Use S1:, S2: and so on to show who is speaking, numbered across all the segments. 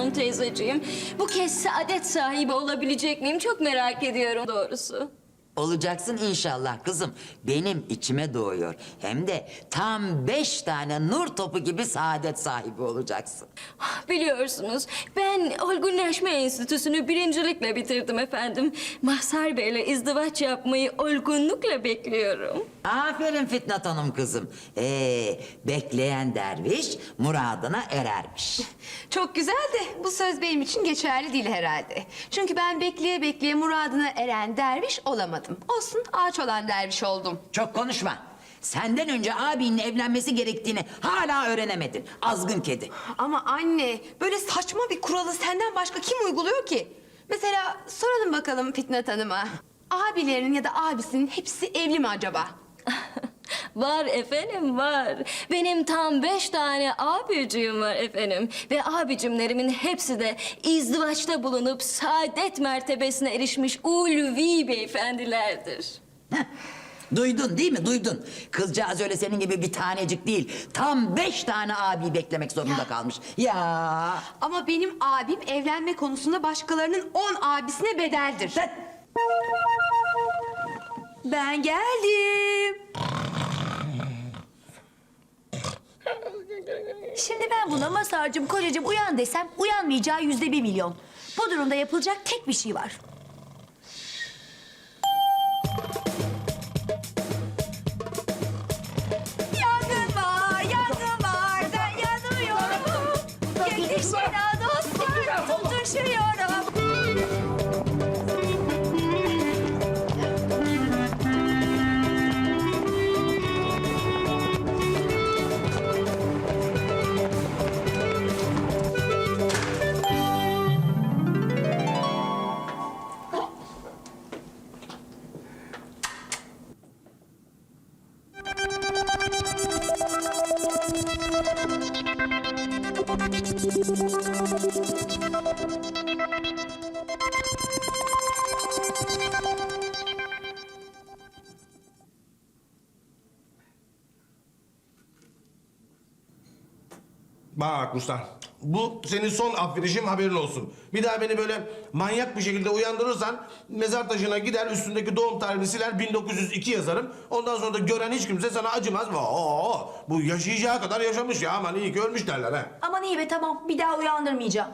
S1: Hanım teyzeciğim. Bu kez saadet sahibi olabilecek miyim? Çok merak ediyorum doğrusu.
S2: Olacaksın inşallah kızım. Benim içime doğuyor. Hem de tam 5 tane nur topu gibi saadet sahibi olacaksın.
S1: Biliyorsunuz ben olgunlaşma enstitüsünü birincilikle bitirdim efendim. Mazhar Bey'le izdivaç yapmayı olgunlukla bekliyorum.
S2: Aferin Fitnat Hanım kızım. Bekleyen derviş muradına erermiş.
S3: Çok güzel de bu söz benim için geçerli değil herhalde. Çünkü ben bekleye bekleye muradına eren derviş olamadım. Olsun, ağaç olan derviş oldum.
S2: Çok konuşma. Senden önce abinin evlenmesi gerektiğini hala öğrenemedin. Azgın kedi.
S3: Ama anne, böyle saçma bir kuralı senden başka kim uyguluyor ki? Mesela soralım bakalım Fitnat Hanım'a. Abilerinin ya da abisinin hepsi evli mi acaba?
S1: Var efendim var. Benim tam 5 tane abicim var efendim. Ve abicimlerimin hepsi de izdivaçta bulunup saadet mertebesine erişmiş ulvi beyefendilerdir.
S2: Duydun değil mi? Duydun. Kızcağız öyle senin gibi bir tanecik değil. Tam 5 tane abi beklemek zorunda kalmış. Ya.
S3: Ama benim abim evlenme konusunda başkalarının 10 abisine bedeldir. Ben geldim.
S4: Şimdi ben buna Mazhar'cığım, kocacığım uyan desem uyanmayacağı %1.000.000. Bu durumda yapılacak tek bir şey var. Yangın var, yangın var. Ben yanıyorum. Yetişin dostlar, tutuşuyorum.
S5: Bak Ruslan, bu senin son affedişim, haberin olsun. Bir daha beni böyle manyak bir şekilde uyandırırsan mezar taşına gider, üstündeki doğum tarihini siler, 1902 yazarım. Ondan sonra da gören hiç kimse sana acımaz. Bu yaşayacağı kadar yaşamış ya, aman iyi ki ölmüş derler ha.
S4: Aman iyi be, tamam, bir daha uyandırmayacağım.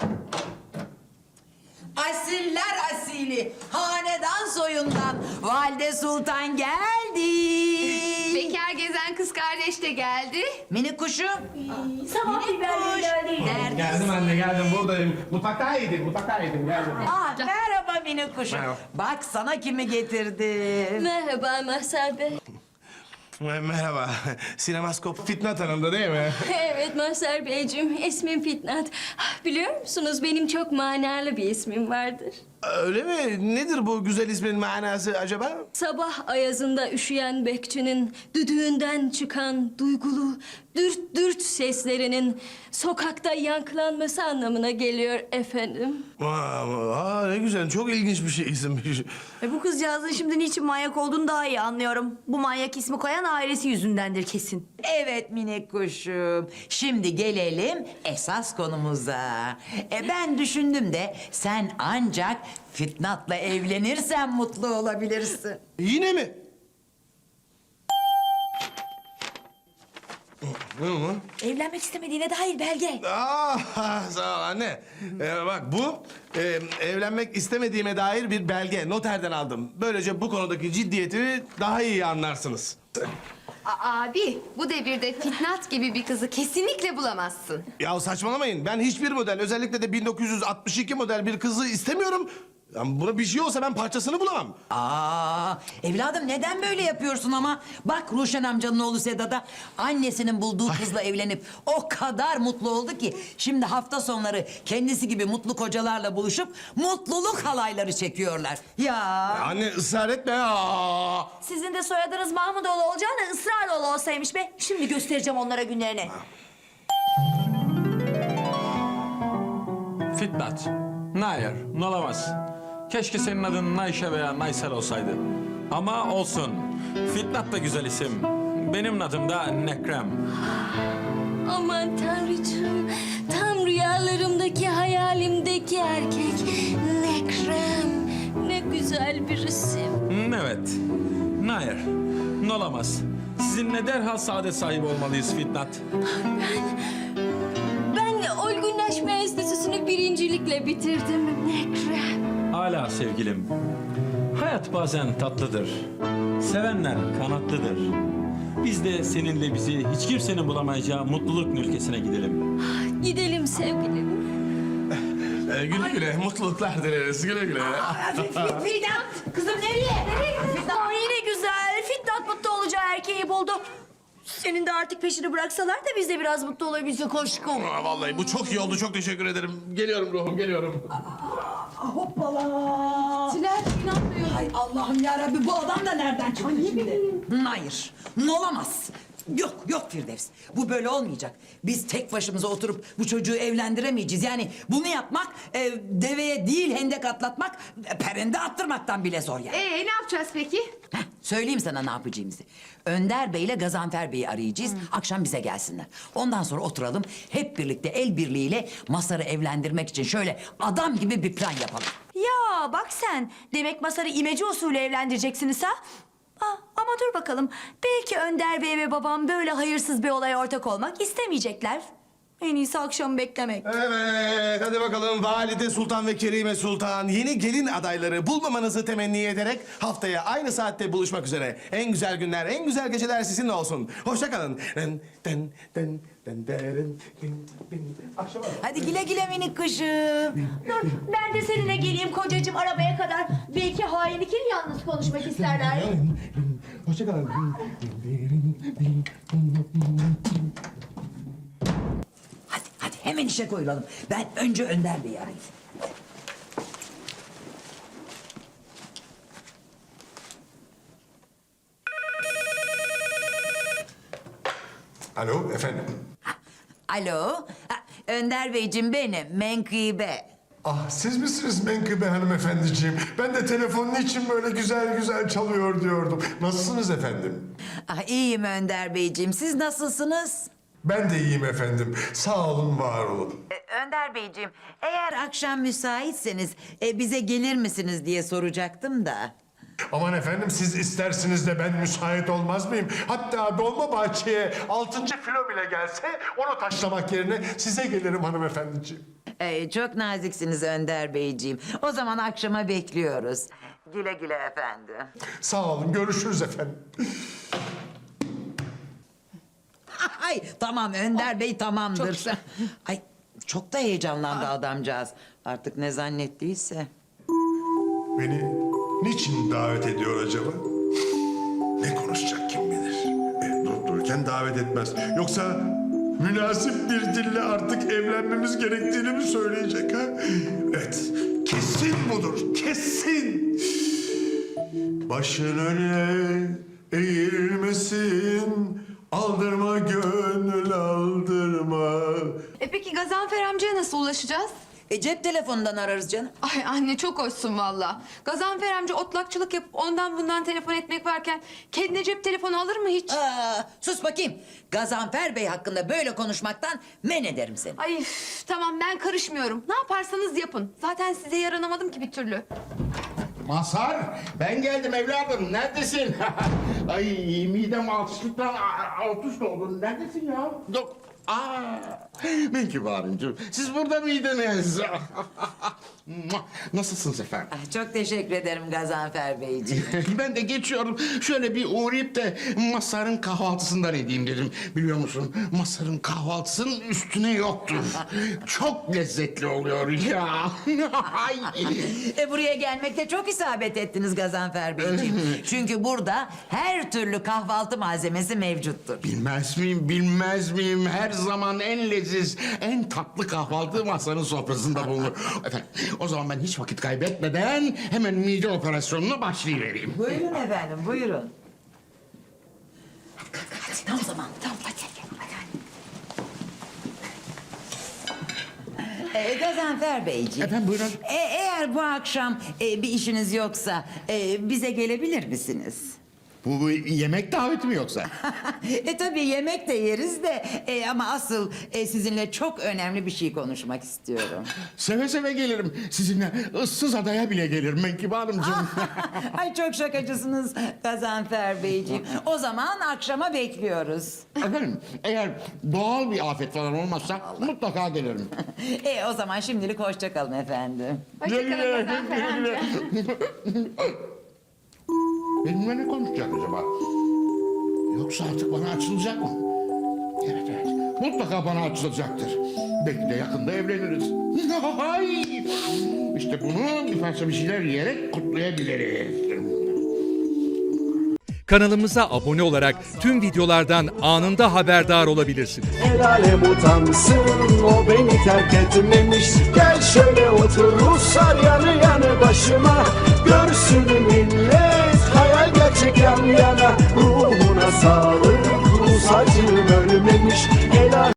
S2: Asiller asili, hanedan soyundan Valide Sultan geldi.
S3: Bekar gezen kız kardeş de geldi.
S2: Minik kuşum.
S4: Sabah biberleri
S2: Neredesin?
S5: Geldim anne, geldim, buradayım. Mutfaktaydım, geldim.
S2: Merhaba minik kuşum.
S5: Merhaba.
S2: Bak sana kimi getirdim.
S1: Merhaba Mazhar Bey.
S5: Merhaba, sinemaskop Fitnat Hanım'da değil mi?
S1: Evet Mazhar Beyciğim, ismim Fitnat. Biliyor musunuz benim çok manalı bir ismim vardır.
S5: Öyle mi? Nedir bu güzel ismin manası acaba?
S1: Sabah ayazında üşüyen bekçinin düdüğünden çıkan duygulu dürt dürt seslerinin sokakta yankılanması anlamına geliyor efendim.
S5: Ne güzel, çok ilginç bir şey isimmiş.
S4: Bu kızcağızın şimdi niçin manyak olduğunu daha iyi anlıyorum. Bu manyak ismi koyan ailesi yüzündendir kesin.
S2: Evet minik kuşum. Şimdi gelelim esas konumuza. Ben düşündüm de sen ancak Fitnat'la evlenirsen mutlu olabilirsin.
S5: Yine mi?
S4: Evlenmek istemediğine dair belge.
S5: Sağ ol anne. Bak bu evlenmek istemediğime dair bir belge. Noterden aldım. Böylece bu konudaki ciddiyetimi daha iyi anlarsınız.
S3: Abi, bu devirde Fitnat gibi bir kızı kesinlikle bulamazsın.
S5: Ya saçmalamayın. Ben hiçbir model, özellikle de 1962 model bir kızı istemiyorum. Yani buna bir şey olsa ben parçasını bulamam.
S2: Evladım neden böyle yapıyorsun ama? Bak Ruşen amcanın oğlu Sedat'a annesinin bulduğu kızla evlenip o kadar mutlu oldu ki şimdi hafta sonları kendisi gibi mutlu kocalarla buluşup mutluluk halayları çekiyorlar. Ya.
S5: Anne ısrar etme ya.
S4: Sizin de soyadınız Mahmudoğlu olacağına ısraroğlu olsaymış be. Şimdi göstereceğim onlara günlerini.
S6: Fitnat. Hayır, olamaz. Keşke senin adın Nayşe veya Naysel olsaydı. Ama olsun. Fitnat da güzel isim. Benim adım da Nekrem.
S1: Aman tanrıcığım, tam rüya Rüyalarımdaki, hayalimdeki erkek. Ne krem, ne güzel bir isim.
S6: Evet. Hayır. Ne olamaz. Sizinle derhal saadet sahibi olmalıyız Fitnat.
S1: Ben olgunlaşma enstitüsünü birincilikle bitirdim. Ne krem.
S6: Hala sevgilim. Hayat bazen tatlıdır. Sevenler kanatlıdır. Biz de seninle bizi hiç kimsenin bulamayacağı mutluluk ülkesine gidelim.
S1: Gidelim sevgilim.
S5: Güle güle, mutluluklar dileriz. Güle güle.
S4: Fitnat! Kızım nereye? Nereye gidiyorsun? Aa, yine güzel. Fitnat mutlu olacağı erkeği buldu. Senin de artık peşini bıraksalar da biz de biraz mutlu olabilsek aşkım.
S5: Vallahi bu çok iyi oldu. Çok teşekkür ederim. Geliyorum ruhum, geliyorum.
S2: Hoppala.
S3: Tülay inanmıyor.
S2: Ay Allah'ım yarabbi bu adam da nereden çıktı şimdi? Hayır, olamaz. Yok Firdevs. Bu böyle olmayacak. Biz tek başımıza oturup bu çocuğu evlendiremeyeceğiz. Yani bunu yapmak deveye değil hendek atlatmak, perende attırmaktan bile zor yani.
S3: Ne yapacağız peki?
S2: Heh, söyleyeyim sana ne yapacağımızı. Önder Bey ile Gazanfer Bey'i arayacağız. Akşam bize gelsinler. Ondan sonra oturalım. Hep birlikte el birliğiyle Masar'ı evlendirmek için şöyle adam gibi bir plan yapalım.
S4: Ya bak sen. Demek Masar'ı imece usulü evlendireceksiniz ha? Ama dur bakalım. Belki Önder Bey ve babam böyle hayırsız bir olaya ortak olmak istemeyecekler. En iyisi akşamı beklemek.
S5: Evet, hadi bakalım Valide Sultan ve Kerime Sultan yeni gelin adayları bulmamanızı temenni ederek haftaya aynı saatte buluşmak üzere. En güzel günler, en güzel geceler sizinle olsun. Hoşça kalın. Akşama.
S2: Hadi güle güle minik kuşum.
S4: Dur ben de seninle geleyim kocacığım arabaya kadar. Belki hain ikili yalnız konuşmak isterler.
S5: Hoşça kalın.
S2: Hadi hemen işe koyulalım. Ben önce Önder Bey'i arayayım.
S7: Alo efendim.
S2: Alo. Önder Beyciğim benim. Menkıbe.
S7: Ah siz misiniz Menkıbe hanımefendiciğim? Ben de telefonun için böyle güzel güzel çalıyor diyordum. Nasılsınız efendim?
S2: İyiyim Önder Beyciğim. Siz nasılsınız?
S7: Ben de iyiyim efendim. Sağ olun, var olun.
S2: Önder Beyciğim, eğer akşam müsaitseniz bize gelir misiniz diye soracaktım da.
S7: Aman efendim siz istersiniz de ben müsait olmaz mıyım? Hatta Dolmabahçe'ye 6. filo bile gelse onu taşlamak yerine size gelirim hanımefendiciğim.
S2: Çok naziksiniz Önder Beyciğim. O zaman akşama bekliyoruz. Güle güle efendim.
S7: Sağ olun, görüşürüz efendim.
S2: Ay tamam Önder Bey tamamdır. Ay çok da heyecanlandı adamcağız. Artık ne zannettiyse.
S7: Beni niçin davet ediyor acaba? Ne konuşacak kim bilir? Durup dururken davet etmez. Yoksa münasip bir dille artık evlenmemiz gerektiğini mi söyleyecek ha? Evet, kesin budur, kesin. Başın öne eğilmesin, aldırma gönül aldırma.
S3: Peki Gazanfer amcaya nasıl ulaşacağız?
S2: Cep telefonundan ararız canım.
S3: Ay anne çok hoşsun valla. Gazanfer amca otlakçılık yapıp ondan bundan telefon etmek varken kendine cep telefonu alır mı hiç?
S2: Sus bakayım. Gazanfer Bey hakkında böyle konuşmaktan men ederim seni.
S3: Ay üf, tamam ben karışmıyorum. Ne yaparsanız yapın. Zaten size yaranamadım ki bir türlü.
S8: Mazhar, ben geldim evladım. Neredesin? Ay midem altışlıktan alt üst oldu. Neredesin ya? Yok. Menkıbe Hanımcığım, siz burada mıydınız? Nasılsınız efendim?
S2: Çok teşekkür ederim Gazanfer Beyciğim.
S8: Ben de geçiyorum. Şöyle bir uğrayıp da Mazhar'ın kahvaltısından edeyim dedim. Biliyor musun? Mazhar'ın kahvaltısının üstüne yoktur. Çok lezzetli oluyor ya. Ay.
S2: Buraya gelmekte çok isabet ettiniz Gazanfer Beyciğim. Çünkü burada her türlü kahvaltı malzemesi mevcuttur.
S8: Bilmez miyim, bilmez miyim? Her zaman en leziz, en tatlı kahvaltı Mazhar'ın sofrasında bulunur. Efendim, o zaman ben hiç vakit kaybetmeden hemen mide operasyonuna başlayıvereyim.
S2: Buyurun efendim, buyurun. Hadi tam zaman, tam hadi. Gazanfer Beyciğim.
S8: Efendim, buyurun.
S2: Eğer bu akşam bir işiniz yoksa bize gelebilir misiniz?
S8: Bu yemek daveti mi yoksa?
S2: Tabii yemek de yeriz de ama asıl sizinle çok önemli bir şey konuşmak istiyorum.
S8: Seve seve gelirim. Sizinle ıssız adaya bile gelirim Menkıbe Hanımcığım.
S2: Ay çok şakacısınız Gazanfer Beyciğim. O zaman akşama bekliyoruz.
S8: Efendim, eğer doğal bir afet falan olmazsa mutlaka gelirim.
S2: O zaman şimdilik hoşça kalın efendim.
S3: Hoşçakalın Gazanfer amca.
S8: Benimle ne konuşacak acaba? Yoksa artık bana açılacak mı? Evet evet. Mutlaka bana açılacaktır. Belki de yakında evleniriz. Hay! İşte bunu bir parça bir şeyler yiyerek kutlayabiliriz.
S9: Kanalımıza abone olarak tüm videolardan anında haberdar olabilirsiniz.
S10: El alem utansın, o beni terk etmemiş. Gel şöyle otur Ruslar yanı yanı başıma. Görsün millet, hayal gerçek yan yana. Ruhuna sağlık, Rus acım ölmemiş. El alem